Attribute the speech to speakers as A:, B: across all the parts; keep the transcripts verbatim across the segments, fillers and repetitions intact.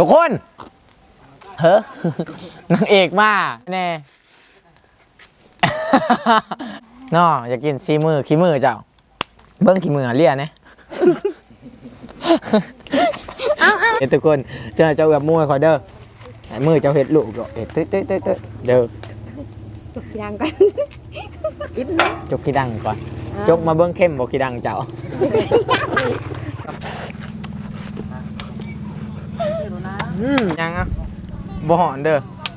A: ทุกคนเฮ้นางเอกมาแน่น้ออยากกินซีมือขี้มือเจ้าเบิ้งขี้มือเลี่ยนะเฮ้ทุกคนเจ้าเจ้าแบบมวยคอยเด้อมือเจ้าเห็ดลูกเห็ดตึ๊ดตึ๊ดตึ๊ดเด้อ
B: จกดังก่อน
A: จกขี้ดังก่อนจกมาเบิ้งเข้มบอกขี้ดังเจ้าอืมยังอ่ะบ่หอนเด้อ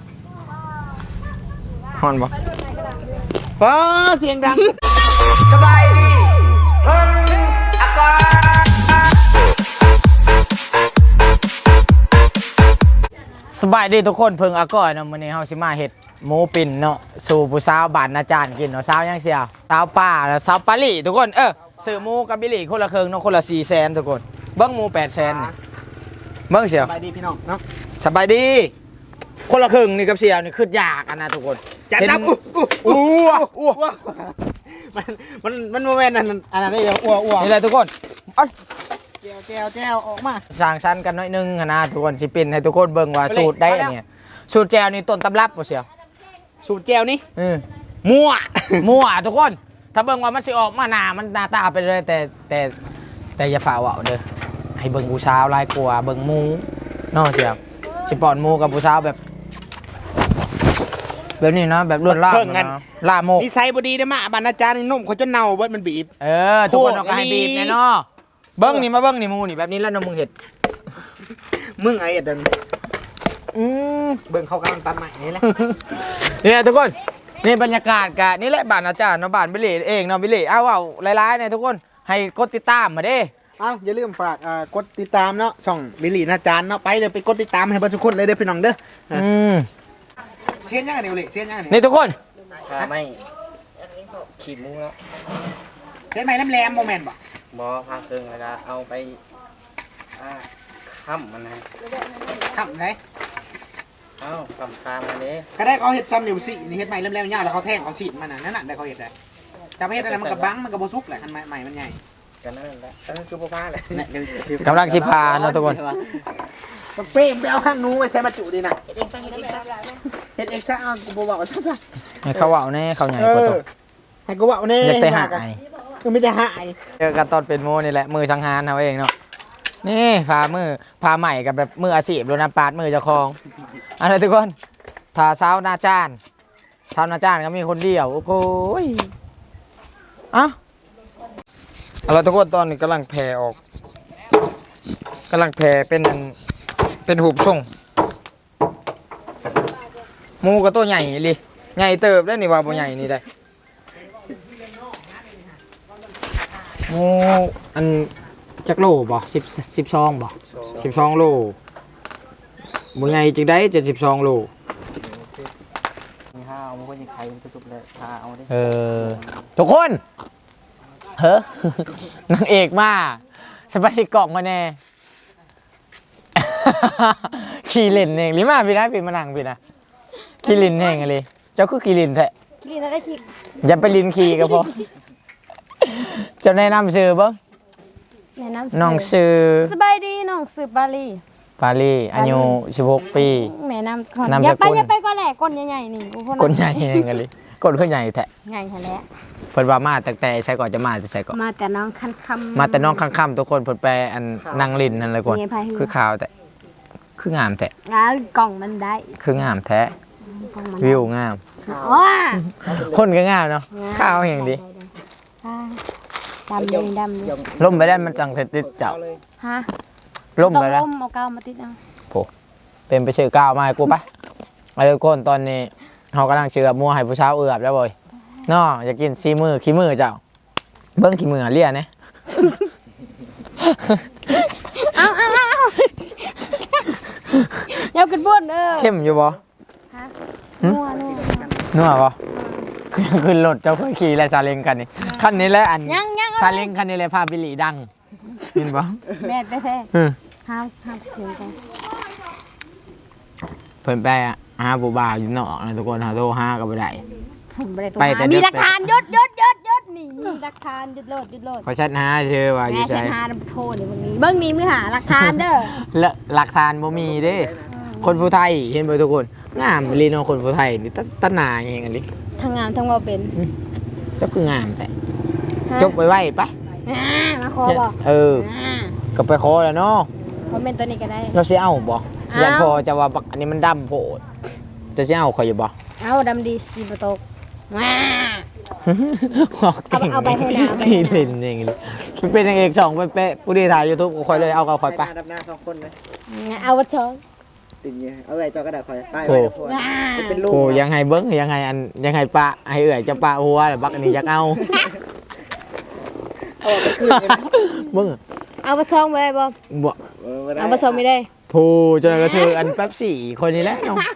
A: หอนบ่ฟ้าเสียงดังสบายดีเพิ่งอากาศสบายดีทุกคนเพิ่งอากาศเนาะมื้อนี้เฮาสิมาเฮ็ดหมูปิ่นเนาะสู่ผู้สาวบ้านอาจารย์กินเนาะสาวยังเสียสาวป้าแล้วสาวปาลี่ทุกคนเออซื้อหมูกับบิลลี่คนละครึ่งเนาะคนละ สี่แสน ทุกคนเบิ่งหมู แปดแสน นี่เบิ่งเสีย
C: สบายดีพี่น้องเนาะ
A: สบายดีคนละครึ่งนี่กับเสียวนี่คือยากอันนะทุกคน
C: จับจับอู้อู้อู้อู้มันมันมันโมเมนต์นั้นอันนั้นได้ยังอ้วอ้ว
A: นี่แหละทุกคนเอ้ย
C: แจวแจวแจวออกมา
A: สร้างสรรค์กันหน่อยนึงอะนะทุกคนสิปินให้ทุกคนเบิ่งว่าสูตรได้อันเนี่ยสูตรแจวนี่ต้นตำรับบ่เสียว
C: สูตรแจวนี่
A: เออ
C: มั่ว
A: มั่วทุกคนถ้าเบิ่งว่ามันสิออกมาหน้ามันหน้าตาไปเลยแต่แต่แต่อย่าฝ่าเอาเด้อให้เบิ่งผู้สาวลายกลัวเบิ่งหมูเนาะเสียวสิป้อนหมูกับผู้สาวแบบแบบนี้นะแบบล้วนล่ามนะล่าโมก
C: นิสัยบดีได้มาบรรณาจารย์นี่นุ่มเขาจนเน่าเบิดมันบีบ
A: เออทุกคนเอาก็ให้บีบแน่เนาะเบิ้งนี่มาเบิ้งนี่หมูนี่แบบนี้แล้วน้องมึงเห็ด
C: มึงไอ้เดิน
A: อืม
C: เบิ่งเขากำลังตัดใหม่นี่แหละ
A: เนี่ยทุกคนนี่บรรยากาศกะนี่แหละบ้านอาจารย์เนาะบ้านบิลลี่เองเนาะบิลลี่เอาเอาหลายๆเนี่ยทุกคนให้กดติดตามมาเด้
C: เอ้าอย่าลืมฝากอ่ากดติดตามเนาะส่องบิลลี่นาจารย์เนาะไปเลยไปกดติดตามให้เพื่อนทุกคนเลยเด้อพี่น้องเด้อ
A: อืม
C: เสียนยังไงเลยเสียนยังไง
A: นี่ทุกคน
D: ไม่ขีดมุ้งแล้ว
C: เสียนใหม่แหลมๆโมเมนต์บ่
D: บอพาเครื่องแล้วก็เอาไปอ่าค้ำมันนะ
C: ทำไง
D: เอ้าค้ำคามมันนี้
C: ก็ได้เขาเห็ดซ้ำอยู่สี่นี่เห็ดใหม่แหลมๆยาวแล้วเขาแทงเขาสีดมันน่ะนั่นน่ะได้เขาเห็ดได้จะไปเห็ดอะไรมันกับบังมันกับโบซุกแหละคันใหม่ใหม่มันใหญ่
D: กันนั่นแหละอันนั้นคือพ่อพาเลย
A: กำลังสิพาเนาะทุกคน
C: มันเป้มไปเอาข้างนู้นไปใช้มาจุดีนะเห็ดเอ็กซ์ซ่ากูบอกว่าซ่า
A: ให้เขาเอาแน่เขาใหญ่
C: เอก
A: ว่า
C: อ
A: ตัว
C: ให้กูบอกเนี่ย
A: อยากแต่หาย
C: คือไม่ได้หาย
A: เจอกันตอนเป็นโมนี่แหละมือสังหารเอาเองเนาะนี่พามือพาใหม่กับแบบมืออาชีพโดนน้ำปาดมือเจ้าของอะไรทุกคนทาเช้าหน้าจ้านเช้าหน้าจ้านก็มีคนเดียวโอ้โหอ่ะอะไรทุกคนตอนนี้กำลังแผ่ออกกำลังแผ่เป็นเป็นหูบส่งหมูก็ตัวใหญ่เลยใหญ่เติบได้นี่ว่าบ่ใหญ่นี่ได้หมูอันจักโลบ่สิบสิบสองบ่สิบสองโลบ่ใหญ่จึงได้จะสิบสองโล
D: มีห้าเอามาคนยังไข่ทุกๆเลยพาเอาดิ
A: เออทุกคนเฮ้นางเอกมาสบายกล่องมาแน่ ขี่เล่นเองหรือมาพี่นะพี่มานั่งพี่นะขี่ลินเองเลยเจ้าคือขี่ลินแท้
B: กินแล้วได้คิด
A: อย่าไปลินขี่ก็พอจะแนะนำชื่อบ้าง
B: แนะนำ
A: น้องชื่อ
B: สบายดีน้องสืบบาลี
A: ปาลีอายุสิบหกปี
B: แม่นำก่อน
A: นาม
B: อย่าไป
A: สกุล
B: อย่าไปก็แหละก้นใหญ่ๆนี่กูคน
A: คนใหญ่เองเลยคนขึ้นใหญ่แท้
B: ใหญ่แท้แล้ว
A: เพิ่นว่ามาแต่แต่ใช่ก่อนจะมาจะใช่ก่อน
B: มาแต่น้องคันคำ
A: มาแต่น้องข้างๆทุกคนเพิ่นแปลอันนางลินนั่นเลยก่อน
B: มีไผหือ
A: คือข่าวแต่คืองามแท้
B: อ่ากล่องมันได้
A: คืองามแท้
B: กล่องมัน
A: วิวงาม
B: อ๋อ
A: คนก็งามเนาะข้าวอย่างดี
B: อ่าดำเลยดำเลย
A: ล่มไปได้มันจังเสร็จติดเจ้า
B: ฮะ
A: ล่ม
B: ต้อง
A: ไปแล้ว
B: ล้มเอากาวมาติดเอา
A: เป็นไปชื่อก้าวมาให้กูปะมาเลยคนตอนนี้เขากำลังเชื่อมัวให้ผู้สาวเอือบแล้วบ่อยน้ออยากกินซีมือขี้มือเจ้าเบิ้งขี้มือเลี่ยนะ
B: เอาเอาเอาอย่าขึ้นบนเออ
A: เข้มอยู่บ่
B: ฮะนัวนัว
A: นัวบ่ขึ้นรถเจ้าเคยขี่อะไรซาเล้งคันนี้คันนี้แหละอัน
B: ยังยัง
A: ซาเล้งคันนี้เลยพาบิลลี่ดังเห็นบ่
B: แม่แท้
A: อืม
B: ๆห้ามห้ามเสียงกัน
A: เพิ่นไปอะหาผู้บ่าวอยู่นอกนะทุกคนหาโทรหาก็บ่ได้
B: ผมไม่ได้ตัว
A: ไปแต่
B: หา
A: เด็
B: มี
A: ก
B: หลักฐานยศยศยศยศนี่มีหหลักฐานหยุดโลดหยุดโลด
A: ขอชัดหาชื่อว่าอ
B: แม่
A: ยู่
B: เส้
A: ใช่
B: นหาโทษนี่มึงนี้เบิ่งนี้มือหาหลักฐานเด้อ
A: และหลักฐานบ่มีเด้ คนผู้ไทยเห็นบ่ทุกคนงามลีเนาะคนผู้ไทยนี่ตะตะหนาอย่างงี้กันดิ
B: ทั้งงามทั้งว่าเป็น
A: เจ้าคืองามแต่จบไว้ๆไป
B: อ่ามาขอบอก
A: เออ
B: อ่า
A: ก็ไปขอแล้วเนาะ
B: คอมเมนต์ตัวนี้ก็ได้
A: เราสิเอาบ่
B: เอา
A: ยันพอจะว่าบักอันนี้มันดำโพดจะสิเอาข่อยอยู่บ่
B: เอาดำดีสีประตกว้า
A: บอกเก่ง
B: เอาไปให้น้ำเอาไปให้
A: นี่
B: น้ำ
A: เล่นอย่างงี้มันเป็นนางเอกสองเป๊ะๆผู้ดีถ่าย YouTube ก็ข่อยเลยเอากับข่อยไป
D: ดับหน้าสองคนเลย
B: เอาวัดช้อง
D: ติดเงี้ยเอาไว้จอกระดาษคอยป้าย
A: โอ้
D: ไว้ทุกคน
B: ว้า
D: จะเป็นลูก
A: โอ้ยังไงเบิ้งยังไงอันยังไงปะให้เอื่อยจะปะหัวแล้วบักอันนี้อยากเอา
D: เอาไปคืนเลยนะ
A: เบิ้ง
B: เอาวัดช้องไปได้บ่
A: บ่
D: เออบ่ได้
B: เอาวัดช้องไม่ได้
A: ผู้จนกระเทืออันแป๊บสี่คนนี้แหละเนาะ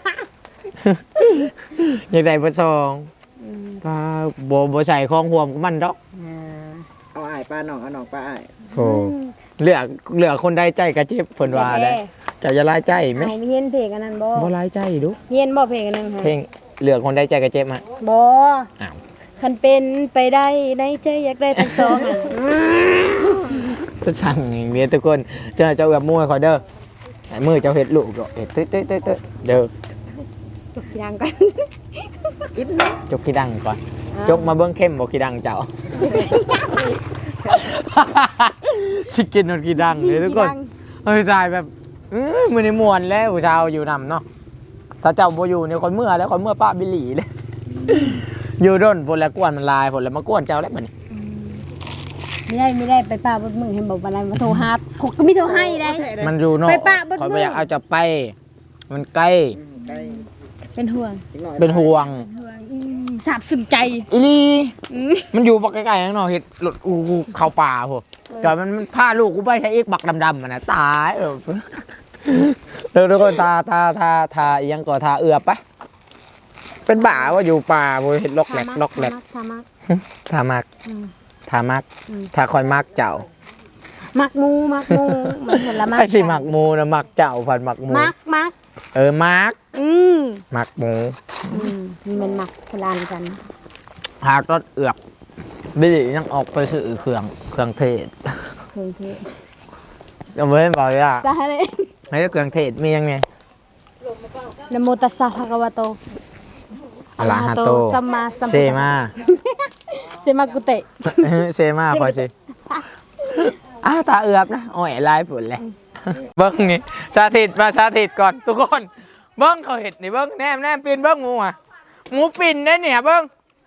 A: อยากได้เบอร์สองปลาโบโบใส่คลองห่วมกับมันดอก
D: เอาอ้ายป้าน้องเอาน้องป้าอ้าย
A: โอ้เหลือเหลือคนได้ใจกระเจ็บเพิ่นว่าได้เจะจะลายใจไหม
B: เอาเฮียนเพลงอันนั้นบ่
A: บ่ลายใจดู
B: เฮียนบ่เพลงอันนั้นค่ะ
A: เพลงเหลือคนได้ใจกระเจ็บฮะ
B: บ่
A: อ้าว
B: คันเป็นไปได้ในใจอยากได้ทั้งสองอ่ะ
A: ก็สั่งอย่างนี้ทุกคนเจ้าเจ้ากับมือคอยเด้อไอ้มือเจ้าเห็ดลูกดอกเห็ดตึ๊ดตึ๊ดตึ๊ดตึ๊ดเด้อ
B: จบยังกัน
A: จกขี้ดังก่อน จกมาเบิ้งเข้มบอกขี้ดังเจ้า ชิคกินนอนขี้ดังเลยทุกคนเฮ้ยตายแบบอื้อมือในมวนแล้วผู้ชาวอยู่นำเนาะถ้าเจ้าโบอยู่เนี่ยคนเมื่อแล้วคนเมื่อป้าบิลลี่เลย อยู่ด้นฝนแล้วกวนมันลายฝนแล้วมากวนเจ้าแล้วมัน
B: ไม่ได้ไม่ได้ไปป้าบดมึงเห็นบอกอะไรมาโทรหาขกก็ไม่โทรให้ได้
A: มันอยู่เนอก
B: ไปปะเบิด
A: คอย
B: มื
A: ไป
B: อ
A: อยากเอาจะไป มันใกล้
D: อืมได้
B: เป็นห่วง
D: อีกหน่อย
A: เป็นห่วง
B: ห่วงอืมสาบซึมใจ
A: อีลี
B: อืม
A: มันอยู่บักใกล้ๆข้างนอกเห็ดหลุดอูกูเข้าป่าพวกจอยมันมันพาลูกกูไปใช้เอกบักดำๆมันนะตายเออเดี๋ยวทุกคนทาทาทาทาอีหยังก่อทาเอือบไปเป็นบ่าว่าอยู่ป่าพวกเห็ดล็อกแหลกล็อกแหลก
B: ทามัก
A: ทามัก
B: อืม
A: ทามัก
B: อืม
A: ทาคอยมักเจ้า
B: มักมูมักมูมันผลไม้
A: ไอ้สิมักหมูนะมักเจ้าพันมักหมู
B: มักมัก
A: เออมัก
B: อืม
A: มักหมู
B: อืมนี่มันมักพลานกัน
A: หาต้นเอือบบิลลี่ยังออกไปซื้อเครื่องเครื่องเทศ
B: เครื่องเทศ
A: ก็ไม่บอกเลยอ่ะ
B: สาเลย
A: ไม่ใช่เครื่องเทศมียังไง
B: นะโมตัสสะภะคะวะโต
A: อะระหะโต
B: สัมมาสัมพุทธัสสะ
A: เซมา
B: เซมากุเตะ
A: เซมาพอสิอ้าวตาเอือบนะโอ้ยลายฝนเลยเบิ้งนี่สาธิตมาสาธิตก่อนทุกคนเบิ้งเขาเห็ดนี่เบิ้งแนมแนมปีนเบิ้งหมูอ่ะหมูปิ่นได้เนี่ยเบิ้ง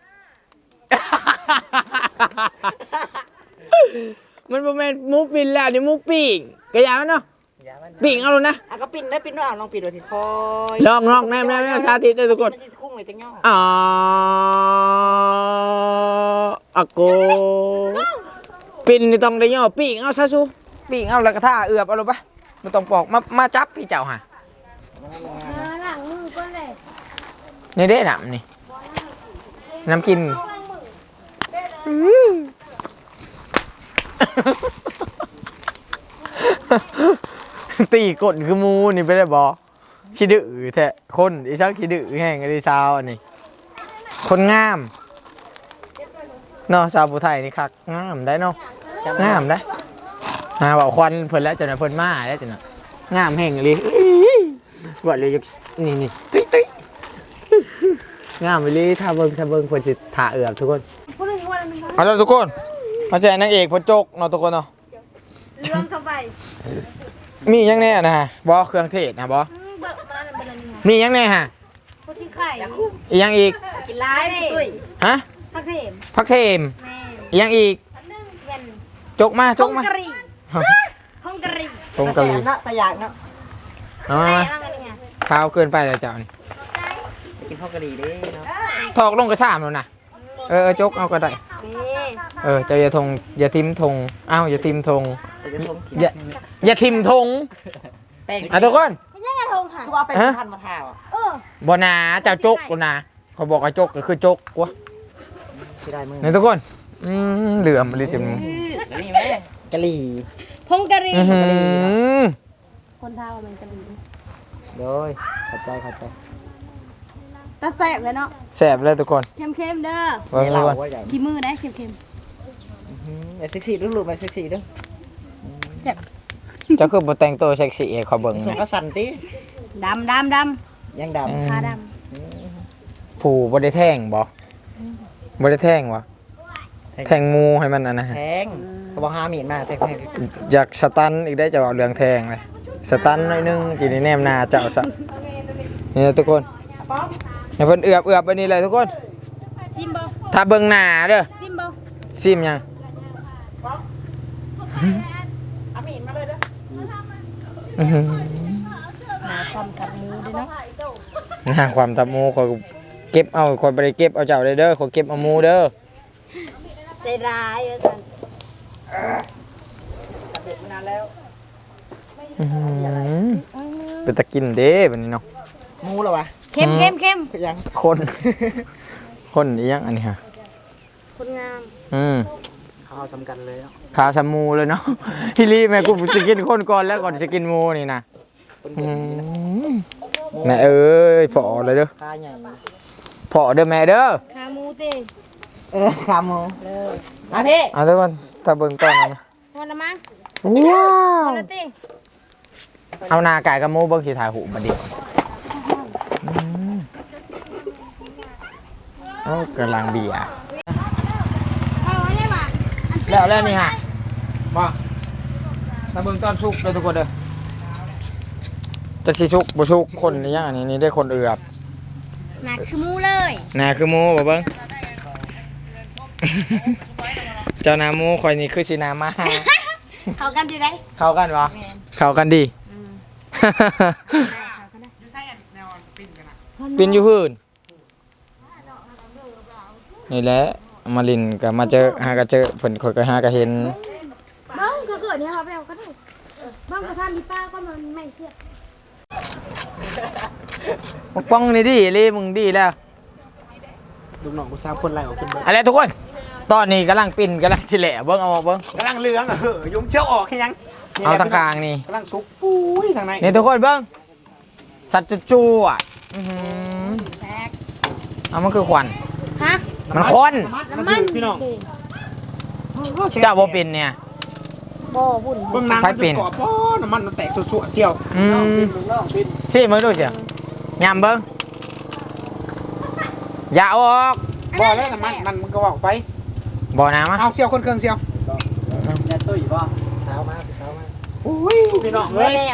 A: มันประมาณหมูปิ่นแล้วนี่หมูปิ่งกระยามันเนาะ
D: อย่ามัน
A: ปิ่งเอาเลยนะ
D: อ่ะก็ปิ้นได้ปิ้นด้วยอ่ะลองปิ้นดูทีคอย
A: ลองลองแนมแนมแนมสาธิตเลยทุกคน
D: มันสิคุ้งเลยจังย่อ
A: อ๋ออะโกปิ่นนี่ต้องได้ย่อปิ่งเอาซะซูปิ่งเอาแล้วก็ท่าเอือบเอาลงไปไม่ต้องปอกมามาจับพี่เจ้าฮะ
B: หลังมือก่อนเลย
A: นี่เด้น้ำนี่น้ำกิน ตีกดคือหมูนี่ไปได้บอขี้ดื้อแท้คนอีช่างขี้ดื้อแห้งไอ้สาวอันนี้คนงามเนาะชาวผู้ไทยนี่คักงามได้เนาะงามได้มาบอกควันเพิ่นแล้วจนเพิ่นมาแล้วจนน่ะงามแห้งเลยบอกเลยนี่นี่ตุ้ยตุ้ยงามไปเลยถ้าเบิ่งถ้าเบิ่งเพิ่นสิถ่าเอือบทุกคน
B: พูดถึงวันนึง
A: เอาละทุกคนมาแจกนางเอกเพิ่นโจกเนาะทุกคนเนาะ
B: เรื่องเข้าไป
A: มีหยังแน่นะฮะบอเครื่องเทศนะบอ
B: เบิกมาแล้วเป็นอะไร
A: มีหยังแน่ฮะ
B: พูดที่ไข่
A: อีกหยังอีก
B: กินร้ายเลยตุ้ย
A: ฮะ
B: พักเทม
A: พักเทม
B: แม่
A: อีกหยังอีก
B: นึ่งเป็น
A: จกมาจ
B: ฮ
A: ก
B: ง
A: มา
B: กะหรี่ฮงกะหรี่
A: ตรงกะหรี่
D: เนาะตะยากเนาะ
A: เอามา
B: อะไร
A: มา
B: บ้างอันนี้
A: ข้าวเกินไปแล้วเจ้านี่
D: กินข้าวกะหรี่เด้เนาะ
A: ถอกลงกระสามแล้วนะเออเออจกเอาก็ได้
B: นี่
A: เออเจ้าอย่าทงอย่าทิมทงอ้าวอย่าทิมทง
D: แต่จะทม
A: อย่าอย่าทิมทง
D: แป้ง
A: อ่ะทุกคน
B: ไม่ใช่กระทงค่ะ
D: คือว่าเป็นพันมาทาอ่ะ
B: เออ
A: บ่นาเจ้าจกบ่นาเขาบอกว่าจกก็คือจกวะ
D: สิได้มือ
A: นี่ทุกคนอืมเหลือมเลยจน
D: กะหรี่ไหมกะหรี่
B: ฮงกะหรี่
A: อื้อหือ
B: คนท้าว่ามันกะหรี่
D: โดยเข้าใจเข้าใจ
B: ตาแซ่บเลยเนาะ
A: แสบเลยทุกคน
B: เค็มๆเด้อ
A: เบิ่งทุกคน
D: ว่าใหญ่
B: ขี้มือได้เค็ม
E: แบบเซ็กซี่รูปๆแบบเซ็กซี่เด้อ
A: เจ้าคือบ่แต่งตัวเซ็กซี่ให้เขาเบิ่ง
E: ส่ง
A: นะ
E: ก็สั่นติ
B: ดำดำด
E: ยังด
B: ำขาด
A: ผู้บ่ได้แท่งบ่บ่ได้แท่งวะแท่งหมูให้มันอันนะ
E: ำแทงก็บอกหามีดมาแทงแทง
A: อยากสตันอีกได้จะเอาเรื่องแทงเลยสตันหน่อยนึงกินในแนมหนาเจ้าซะนี่นะทุกคนให้เพิ่นเอือบเอือบไปนี่เลยทุกคน
B: ำซิมบ่
A: ถ้าเบิ่งหน้าเด้อ
B: ซิมบ่
A: ซิมยัง
E: เอามีดมาเลยเด้อ
A: อื้อหือ
B: หาความกับหมูด้วยเนาะ
A: หน้าความตับหมูขอยเก็บเอาขอยบ่ได้เก็บเอาเจ้าเลยเด้อขอยเก็บเอาหมูเด้อ
B: ใจร้ายอาจารย์
E: ตัดเด็ดมานานแล้ว
A: อื้อหือเป็นตะกินเด้บัดนี้เนาะ
E: หมูเหรอวะ
B: เข้มเข้มเข้ม
E: คือยัง
A: คน คนอีหยังอันนี้ฮะ
B: คนงาม
A: อืม
E: เขาเอาสำคัญเลยเนาะ
A: ข้าวสามูเลยเนาะ ฮิลี่แม่กูจะกินคนก่อนแล้วก่อนจะกินหมูนี่นะ
E: คน
A: อื
E: เก่ง
A: มแม่เอ้ยพอเลยเด้อ
E: ขาใหญ่
A: พอเด้อแม่เด้อ
B: ขาหมูเต้
E: เออขาหมูมาพี่
A: เอาทุกคนตาเบิ่งต้นนะ
B: พอละมั้ง
A: ว้า
B: พ
A: ว
B: อละเต้
A: เอาหนาไก่กับหมูเบิ่งสิถ่ายหูมาดิอืมโอ้กำลังเบียร์
B: เอาไว้ได้ป่ะ
A: แล้วแล้วนี่ฮะมาตาเบิ่งต้นสุกเลยทุกคนเด้อจักสิสุกบ่สุกคนนี่ยังอันนี้นี่ได้คนเอือบ
B: หนักคือหมูเลย
A: น่าคือหมูบ่เบิ่ง เจ้านาหมูคอยนี่คือสินามา
B: เขากันอยู่ได้
A: เข้ากันวะเข้ากันดี
C: อยู่ใส่อันแนวปิ้นกันน่ะ
A: เป็นอยู่พื้นนี่แหละมาลินก็มาเจอหาก็เจอเพิ่นคอยก็หาก็เห็น
B: บ้างก็เกิดเนี่ยเขาไปเอาก็ได้บ้างกระทานที่ป้าก็มันไม่เทียบ
A: มาป้องนี่ดิเลยมึงดีแล้ว
C: ลูกน้องกูทราบคนไรออกขึ้นเบิ่ง
A: อะไรทุกคน ตอนนี้กำลังปิ้นกำลังสิแหละเบิ่งเอาเบิ่ง
C: กำลังเลืองอ่ะเฮ้ยยุงเชี่ยวออกให้ยังนี่
A: เอา
C: แหละ
A: ทางกลางนี่
C: กำลังซุกปุ้ยทางใน
A: นี่ทุกคนเบิ่งสัตว์จู่ๆอ่ะอื้อหือ
B: แตก
A: เอามันคือควัน
B: ฮะ
A: มันควัน
B: น้ำมัน
C: พี่น้อง
A: เจ้าบ่เป็นเนี่ย
B: บ่บุ่น
C: เบื้องหน้ำ
A: ไฟ
C: มัน
A: ปิ้
C: จะ
A: น
C: กรอบเพราะน้ำมันมันแตกสวดๆเจียว
A: อืมสิมึงดูสิยำเบิ่งอย่าเอาออก
C: บ่แล้วน้ำมันมันมันก็ออกไป
A: บ่น้ำอ่ะ
C: เอาเซียวคนเครื่องเซียว
E: แม่ตุ้ยป่ะสาวมาสาวมา
C: อุ้ยพี่น้อง
B: แหล
C: เอ้ย
B: ม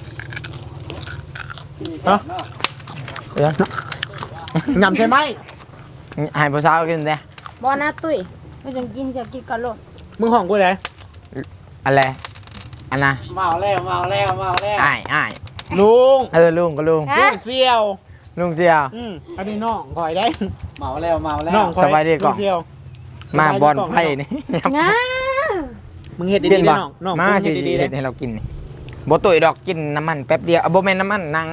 A: เดี๋ยวย
C: ำใช่ไหม
A: ให้ผู้สาวกินเด้
B: บ่นะตุ้ยไม่จังกินจะกินก่อนโลด
C: มึงห้องกูเลย
A: อะไรอันน่ะ
C: เมาแล้วเมาแล้วเมาแล้ว
A: อ้ายอ้าย
C: ลุง
A: เออลุงก็ลุง
B: ฮะ
C: ลุงเซียว
A: ลุงเจียว
C: อืมอันนี้น้องคอยได้
E: เมาแล้วเมาแล้ว
C: น้องคอย
A: สบายดีก่อน
C: ลุงเซียว
A: มาบอลไพ่นี่
B: งา
C: มึงเห็ด
A: กิ
C: ดี
A: น
C: ๆ
A: บ่
C: นะน้องน้อง
A: มา
C: มึง
A: สิ
C: เห็ดดีๆเล
A: เฮ็
C: ย
A: ดให้เรากินนี่บ่ตุยดอกกินน้ำมันแป๊บเดียวเอาบ่แม่นน้ำมันหนัง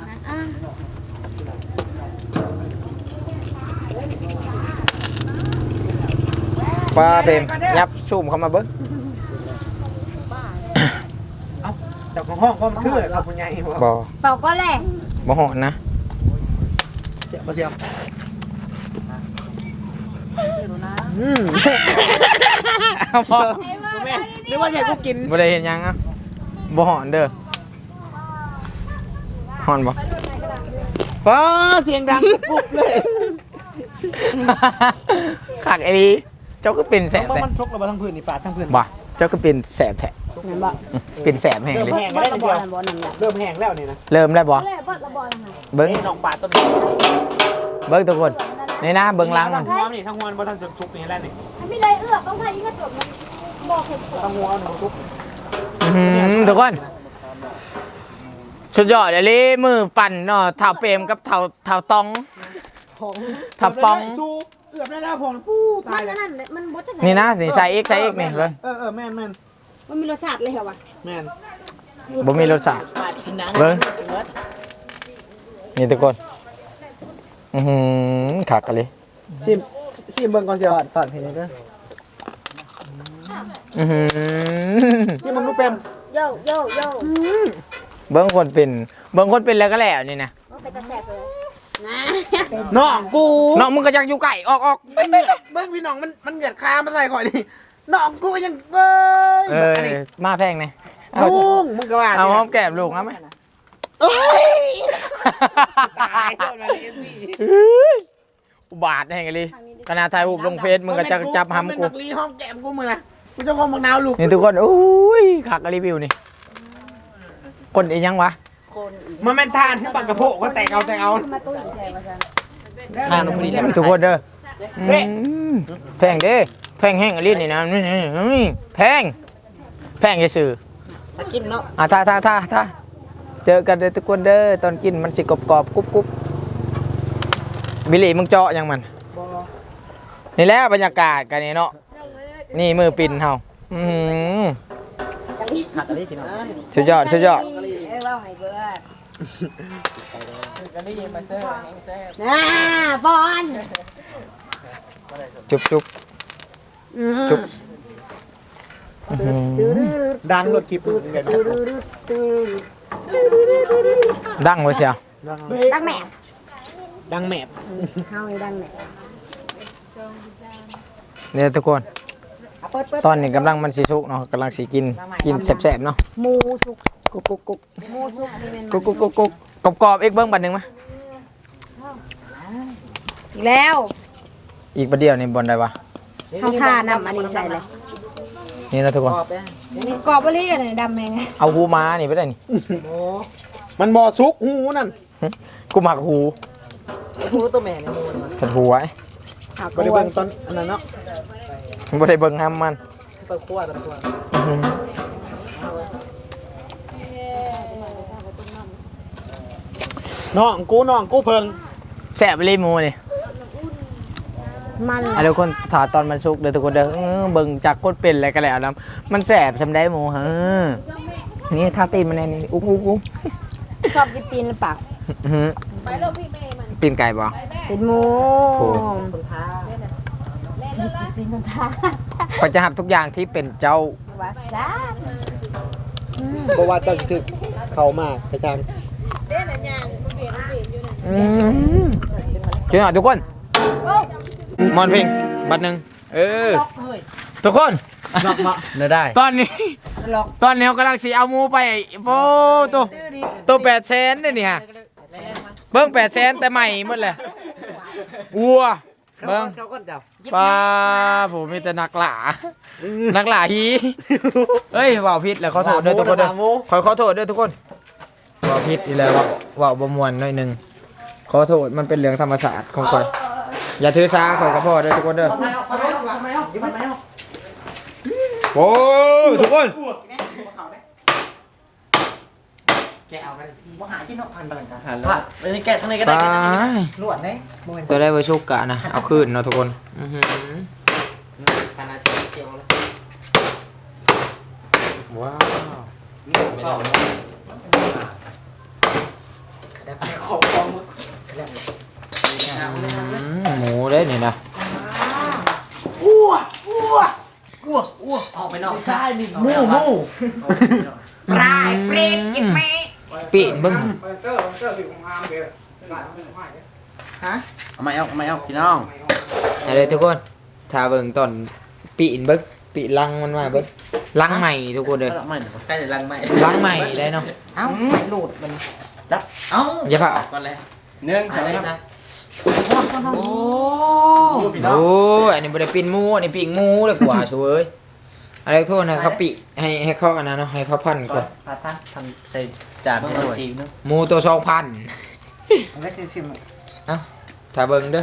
A: ปลาเปมยับซูมเข้ามาเบิ่ง
C: แต่ของห้องก็มันคือเราคุณยายบอก
A: บ่
B: เป่าก็แหละ
A: บ่หอนนะ
C: เสียวบ่เสียวอืม
A: เอาบ่
C: แม่นึกว่าจะให้กูกิน
A: บ่ได้เห็นหยังอ่ะบ่หอนเด้อหอนบ่
C: ป้าเสียงดังปุ๊บเลย
A: คักไอ้นี่เจ้าก็เป็นแสบ
C: เพราะ
A: แท้
C: มันชกเราทั้งพื้นนี่ปาดทั้งพื้น
A: บ่เจ้าก็เป็นแสบแท้
B: แม่นบ่
A: เป็นแสบแห้ง
C: เริ่ม
A: เลย
C: แห้ง
B: บ่
C: แล้ว
B: ระ
C: เชี
B: บ่
C: ยว
B: นั่นบ่นั่นแหละ
C: เริ่มแห้งแล้วนี่นะ
A: เริ่มแล้วบ่
B: แหละบ่ระบ่นั่นน่ะ
A: เบิ้ง
C: นี่น้องปาดต้น
A: เบิ้งทุกคนนี่นะเบิ้งหล้างมัน
C: ทั้งหัวนี่ทั้งหัวบ่ทันจะชุกนี่แล้วนี่
B: ไม่ได้เอื้อต้องพายิงกระจกมันบ่เห็น
C: ทั้งหัวหนูชุก
A: อื้อหือทุกคนสุดยอดเลยลิมือปั่นเนาะเท้าเปรมกับเท้าเท้าตอง
C: ของ
A: ทับปอง
C: สู้เกือบได้แล้วผมปู้ตา
B: มั
C: ย
B: น
C: เลย
B: นั่นแหละมันบ่จัง
A: นี่นะนี่ใส่เอ็กใส่เอ็กนี่เลย
C: เออเออแม่นแม่น
B: มันมีรสชาติเลยเหรอวะ
C: แม่น
A: บ่มีรสชาติเบิ้งนี่ทุกคนอือหือขักกันเลย
C: ซิมซิมเบิ่งก่อนเชียว
E: ตอนตอนเพลงนี้ก็
A: อือหือ
C: ซิมมึงรู้เป็น
B: โยโยโย
A: เบิ้งคนเป็นเบิ้งคนเป็นแล้วก็แล้วนี่นะ
B: มันเป็นตาแสบเลยนะ
C: น้องกู
A: น้องมึงก็อยากอยู่ไก่ออกออก
C: เบิ่งเบิ่งเบิ่งพี่น้องมันมันเหยียดคามาใส่ข่อยนี่น้องกูยังเอ้ย
A: เออมาแพงไงเอา
C: ลุงมึงก็ว่า
A: เอาหอมแก้มลูกเอาไหม
C: เอ้ย
A: ตายอุบาทแห่งเลยขณะถ่ายรูปลงเฟซมึงก็จะจับหำกู
C: มันเป็นนักลีห้องแก้มกูมึงนะกูจะงอมังนาวลูก
A: นี่ทุกคนอุ้ยขักรีวิวนี่คนอีกยังวะ
C: มันเป็นทานที่ปักกระโปงก็แต่งเอาแต่งเอา
B: มาตุ้ยแทนมาซัน
C: ทานลงไปนี่แล้ว
A: ทุกคนเด้ออืมแพงเด้แพงแห้งอลินี่นะนี่นี่แพงแพงจะสื่อ
E: ถ้ากินเนาะ
A: อ่ะท่าท่าท่าท่าเจอกันเด้อทุกคนเด้อตอนกินมันสิกรอบกรอบกรุบกรุบบิลลี่มึงเจาะยังมันนี่แหละบรรยากาศกันนี่เนาะนี่มือปิ่นเฮาอืม
E: หักอะไรกินเนาะ
A: สุดยอดสุดยอด
B: เอ้ยว่าให้เบิด
E: กันได้ยินมาเจอแห้งแซ่บ
B: น่าบอล
A: จุ๊บจุ๊บจุ๊บ
C: ดังรถคลิปเห็น
A: ดังไว้เชียว
B: ดังแม่
C: ดังแมบ
B: เฮาดังแม่
A: เนี่ยทุกคนตอนนี้กำลังมันสิสุกเนาะกำลังสิกินกินแซ่บๆเนาะ
B: หมูสุก
A: กุ๊กกุ๊กกุ๊ก
B: หมูสุกนี่แม่น
A: กุ๊กกุ๊กกุ๊กกุ๊กกรอบกรอบๆอีกเบิ้งบัดหนึ่งมั้ย
B: อีกแล้ว
A: อีกบัดเดียวนี่บนได้ปะ
B: เฮาทาน้ำอันนี้ใส่เลย
A: นี่นะทุกคน
E: กรอบแป้ง
B: นี่กรอบบ่ลี่กันนี่ดำแม่ง
A: เอาหูม้านี่ไปได้นี่
E: โอ้
C: มันบ่อซุกหูนั่น
A: กูหมักหู
E: หูตัวแม่เนี่ยมูนมัน
A: ขัดหูไว้
B: หัก
C: บ่ได้เบิ่งตอนอันนั้นเนาะ
A: บ่ได้เบิ่งห้ามมัน
E: ตัวขั้วตัวขั้ว
A: อื้อหือ
C: น้องกูน้องกูเพิ่ง
A: แซ่บเลยหมูนี่
B: มัน
A: อ่ะทุกคนถาตอนมันสุกเด้อทุกคนเด้อเออเบิ่งจากกดเป็นอะไรก็แล้วนํมันแซ่บซำได้หมูฮะนี่ทาตีนมันแน่นี่อุ๊บอุ๊บอุ๊บ
B: ชอบกินตีนหรือเปล่า
A: อื้อหือตีนไก่บ่
B: เป็นหมู
A: โอ้
E: คนท้า
B: ตีนคนทา
A: ก็จะหับทุกอย่างที่เป็นเจ้า
B: ว่าซะ
C: บ่ว่าเจ้าสิถึกเข้ามากกระจัง
A: อืมเจอหน่อยทุกคนมอนเพลงบัดหนึ่งเออทุกคน
C: นอกมา
A: เนื้อได้ตอนนี้
E: หลอก
A: ตอนนี้เขากำลังสีเอาหมูไปโอ้ตัวตัวแปดแสนเนี่ยนี่ฮะเบิ้งแปดแสนแต่ใหม่หมดเลยวัวเบิ้ง
E: เขาก็เจ้า
A: ปลาผมมีแต่นักหลานักหลาฮีเฮ้ยว่าวพิษแล้วเขาโทษด้วยทุกคนเด้อขอขอโทษด้วยทุกคนว่าวพิษอีแล้วว่าวว่าวบมวนหน่อยหนึงขอโทษมันเป็นเรื่องธรรมศาสตร์ของข่อยอย่าถือสาข่อยกับพ่อเด้อทุกคนเด้อ
E: ไม่เอาไม่เอาไม่เอาไม่เอาไม่เอา
A: โอ้ทุกคน
E: แกเอาไปว่าหาที่นอกพันบาลังกันหันแล้วในแกะข้างในก็
A: ต
E: ได้
A: าย
E: นวดได้
A: ตัวได้เวอร์ชุกกะนะเอาขึ้นเนาะทุกคนอื้อหือ
E: ขนาดเจียวแล้ว
A: ว้าว
E: เข้าของของ
A: อืมหมูได้นี่นะ
E: อ้วอ้วอ้วอ้วออกไปนอกใช่มีมูมูปลายเปรตกินแม่
A: ปีนเบิ้ง
E: ฮะ
D: เอาไม่เอาเอาไม่เอาพี่น้อง
A: อะไรทุกคนถ้าเบิ้งตอนปีนเบิ้งปีลังมันมาเบิ้งลังใหม่ทุกคนเลย
D: เอาไม่เดี๋ยวใกล้จะลังไม่
A: ลังใหม่ได้เนาะ
E: เอ้าหลุดมันจับเอ้า
A: อย่าเผา
D: ก่อนเลยเนื่อง
E: อะไร
D: จาก
E: ซะ
A: โอ้โหอันนี้บริปีนหมูอันนี้ปีกหมูเลยกว่าช่วยอะไรโทษนะเขาปีให้ให้เขาอันนั้นเนาะให้เขาพันก่อน
E: พาตั้งทำใส่จานให้หน่อย
A: หมูตัวสองพัน
E: มันก็ชิม
A: ถ้าเบิ้งเด้อ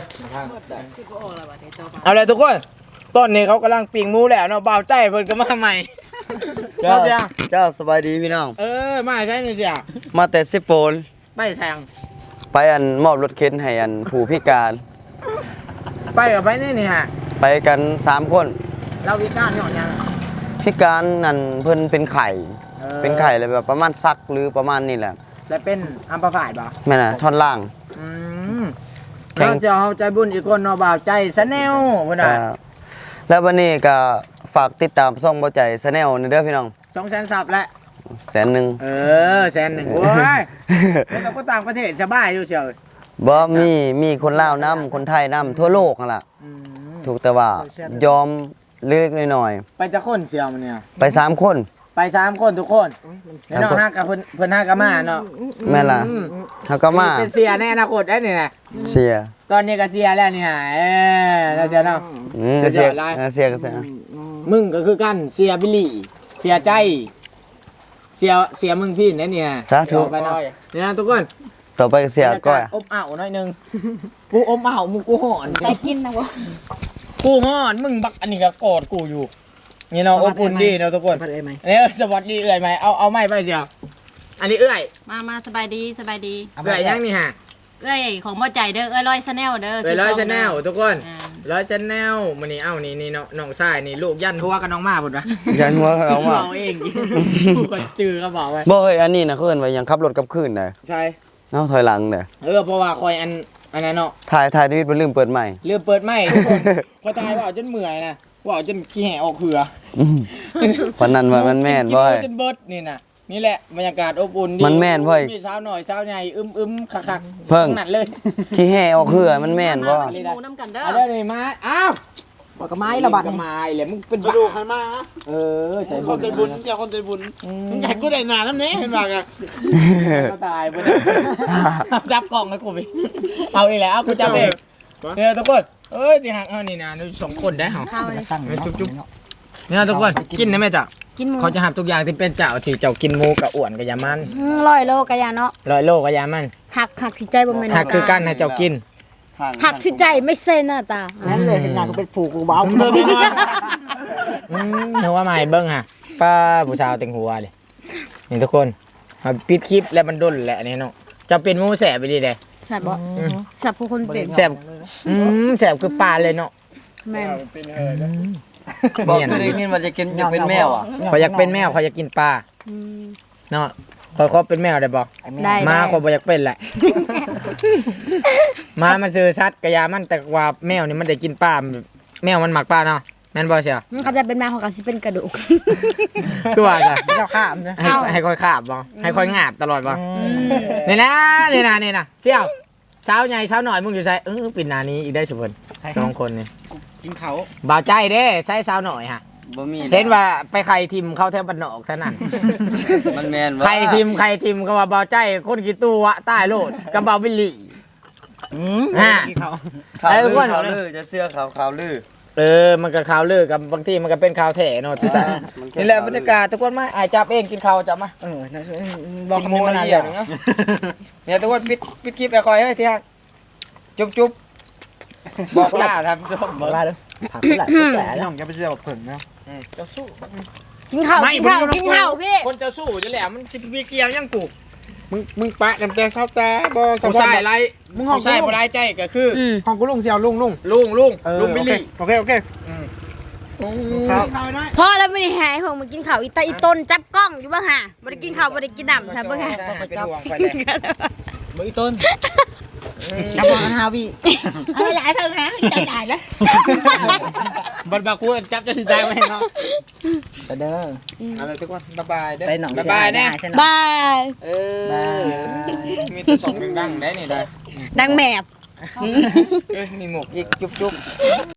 A: เอาเลยทุกคนต้นนี้เขากำลังปีกหมูแล้วเนาะเบาใจเพิ่นก็มาใหม่
F: เจ้า
A: เจ้า
F: เจ้าสบายดีพี่น้อง
A: เออมาใช่ไหมเสีย
F: มาแต่สิโปน
A: ไปแทง
F: ไปอันมอบรถเข็นให้อันผู้พิการ
A: ไปกับไปนี่นี่ฮะ
F: ไปกันสามคน
A: เราวิการหย่อนยัง
F: พิการนั่นเพิ่นเป็นไข่
A: ออ
F: เป็นไข่เลยแบบประมาณซักหรือประมาณนี่แหละ
A: แล้วเป็นอัมพาตบ่
F: แม่น่ะท่อนล่าง
A: อืม
F: แข่ง
A: เราจะเอาใจบุญอีกคนเนาะบ่าวใจสแนลพุ่นน่ะ
F: เอ่อแล้ววันนี้ก็ฝากติดตามซ่องบ่ใจแชนแนลนี่เด้อพี่น้อง
A: สองแสนซับแล้ว
F: แสนหนึง
A: เออแสนหนึ่งโอ้ยแล้วเราก็ต่างประเทศสบายอยู่เชียว
F: บ่มีมีคนลาวนํคนไทยนํทั่วโลกนั่นล่ะ
A: อืม
F: ถูกแต่ว่ายอมเล็กๆน้อย
A: ไปจะคนเสียวมันเนี่ย
F: ๆไปสามคน
A: ไปสามคนทุกคนแล้วน้องห้ากับเพิ่นเพิ่นห้ากับมาเนาะ
F: แม่นล่ะเฮาก็มา
A: เป็นเสียในอนาคตได้นี่นะ
F: เสีย
A: ตอนนี้ก็เสียแล้วนี่ฮะเออแล้วเสียเนาะ
F: อืม
A: เสี
F: เสี
A: ย
F: ย
A: หลาย
F: เออเสียก็เสีย
A: มึงก็คือกันเสียบิลลี่เสียใจ เสียเสียมึงพี่นั่นเนี่ย
F: สาธุ
A: ไปเนาะเนี่ยทุกคน
F: ต่อไปก็เสียก้อย
A: บรรากาศอบอ้าวหน่อยหนึงกูอบอ้าวมึงกูห่อน
B: ได้กินนะวะ
A: กูห่อนมึงบักอันนี้ก็กอดกูอยู่นี่เนาะอบอุ่นดีเนาะทุกคน
C: พัดเอ้ยไหม
A: อันนี้สวัสดีเอื่อยไหมเอาเอาไม้ไปเสียวอันนี้เอื่อย
G: มามาสบายดีสบายดี
A: เอื่อยยังนี่ฮะ
G: เอ้ยของบ่ใจเด้อเอ้ยร้อยชาแนลเด้อ
A: เอื่อยร้อยชาแนลทุกคน
G: อ่า
A: ร้อยชาแนลมันนี่เอ้านี่นี่เนาะน้องชายนี่ลูกยันทัวกับน้องมาพุ่นวะ
F: ยันหัวเขาเอามา
A: เอาเองกูก็จือก็บอกไว้
F: บ่เฮ้ยอันนี้นะเขาเอิ้นว่ายังขับรถกลับคืนน่ะ
A: ใช่
F: เอ้าถอยหลังน่ะ
A: เออเพราะว่าคอยอันอันนั้นเนาะ
F: ถ่ายถ่ายชีวิตบ่ลืมเปิดใหม่
A: เรือเปิดไม่ทุกคนพอตายว่าเอาจนเมื่อยนะว่าเอาจนขี้แห่ออกเหือ
F: อืมวันนั้นว่ามันแม่นบ่
A: กิ
F: เฮ้ย
A: จนเบิดนี่นะนี่แหละบรรยากาศอบอุ่นดี
F: มันแม่นเว้ย
A: มีสาวหน่อยสาวใหญ่อึมอึมคักคักๆ
F: เพิ่ง
A: หนัดเลย
F: ขี้แห่ออกเหือมันแม่นบ่
G: มากินหมูน้ำกันเด้อ
A: เอาได้เลยมาอ้าว
C: บอกกับไม้ละบัด
A: กระไม้เลยมึงเป็น
C: กระดูกให้มา
A: เออใจ
C: คนใจบุญเจ้าคนใจบุญมึงอยากกูได้นานแล้วเนี่ยเห็นป่ะกัน
A: ก็ตายไปเลยจับกล่องให้กูไปเอาอีกแล้วเอากูจับเองเนี่ยทุกคนเอ้ยที่หักเอานี่นะนี่สองคนได้เหรอ
B: ข้าวเลย
A: จุ๊บจุ๊บเนี่ยทุกคนกินได้ไหมจ๊ะ
B: กินหมู
A: เขาจะหับทุกอย่างที่เป็นเจ้าที่เจ้ากินหมูกับอ้วนกับยามัน
B: อืมร้อยโลกะยาเนาะ
A: ร้อยโลกับยามัน
B: หักหักที่ใจบ่แม่น
A: หักคือกันให้เจ้ากิน
B: หักที่ใจไม่เส้นน่ะตา
C: นั่นเลยเห็นงานกูเป็นผูกกูเบาเลย
A: อืมเห็นว่าไม่เบิ้งฮะป้าผู้สาวเต็งหัวเลยนี่ทุกคนเอาปิดคลิปแล้วมันด้นแหละนี่เนาะจะเป็นหมูแสบไปดีเลย
B: แซ่บบ่แซ่บผู้คนเป็น
A: แสบอืมแสบคือปลาเลยเนาะ
B: แม่น
F: บอกเคยได้ยินว่าจะกินอยากเป็นแมวอ่ะ
A: เขาอยากเป็นแมวเขาอยากกินปลา
B: อืม
A: เนาะคอยเขาเป็นแมวได้บอก
B: ได้
A: มา
B: ได้
A: คนบ่อยากเป็นแหละ มามันซื้อชัดกระยามันแต่ว่าแมวนี่มันได้กินปลาแมวมันหมักปลาเนาะแม่นบ่เชียว
B: มันเขาจะเป็นแมวของเขาสิเป็นกระดูก
A: คือว่าจ้ะ
C: เจ้าข้ามนะ
A: ให้ให้คอยขาบบ่ให้คอยงาบตลอดบ่นี่นะนี่นะนี่นะเสี่ยวเช้าใหญ่เช้าหน่อยมึงอยู่ใส่เออปิดหนานี้อีกได้สุพลสองคนนี่
C: กินเขา
A: บ่าวใจเด้ใช้เช้าหน่อยฮะ
F: บ่มี
A: เห็นว่าไปไข่ทิมเข้าแถวบ้านนอกซะนั่น
F: มันแม่นบ่
A: ไข่ทิมไข่ทิมก็ว่าบ่าวใจคนกี่ตัวใต้โลดกับบ่าวบิลลี่
C: อืม
A: อ่า
C: กินเขา
F: ข่าว
A: ไอ้
F: ลื
A: อ้ว
F: อน ข่าวลือจะเชื่อข่าวข่าวลือ
A: เออมันก็ข่าวลือกับบางทีมันก็เป็นข่าวแท้เนาะสุดท้ายนี่แหละบรรยากาศทุกคนมาอายจับเองกินข้าวจับมา
C: เออนะ
A: ลองขโมยมาเดียวนึงเนาะเนี่ยทุกคนปิดปิดคลิปไปคอยเฮ้ยที่ฮักจุ๊บจุ๊บบอกลาท่านผู้ชม
C: บอกลาเด้อผักแหละแหละน้องจะไปเชื่อแบบเพิ่นนะ
A: จะสู้
B: กินข้าวกินข้าวกินข้าวพี่
A: คนจะสู้จะแหละมันสิพี่เกียวยังกู
C: มึงมึงปะน้ำแกงข้าวแต่บ่
A: ผู้ชายไร
C: มึงห้อง
A: ผู้ชายบ่ได้ใจก็คือ
B: อืม
C: ห้องกูลุงเสียวลุงลุง
A: ลุงลุง
C: เออ
A: ลุงบิลลี่
C: โอเคโอเคครับ
B: พ่อแล้วไม่ได้หายผมมากินข้าวอีตาอีต้นจับกล้องอยู่บ้างฮะบ่ได้กินข้าวบ่ได้กินน้ำใช่บ้างฮะ
A: เป็นห่วงไปเลยมือต้น
C: จับมาฮาวี
B: เอาหลายเพิ่งฮะจะได้แล้ว
C: บัดบากูจับจะสิได้ไหมเนาะเด้อ
A: อะไรทุกคนบ๊ายบายเด้อ
C: ไปหนอง
A: บ๊ายบายเด้
B: บาย
A: เออมีแต่สองดังๆได้นี่ได้
B: ดังแมบ
A: เอ้ยมีหมวกอีกจุ๊บจุ๊บ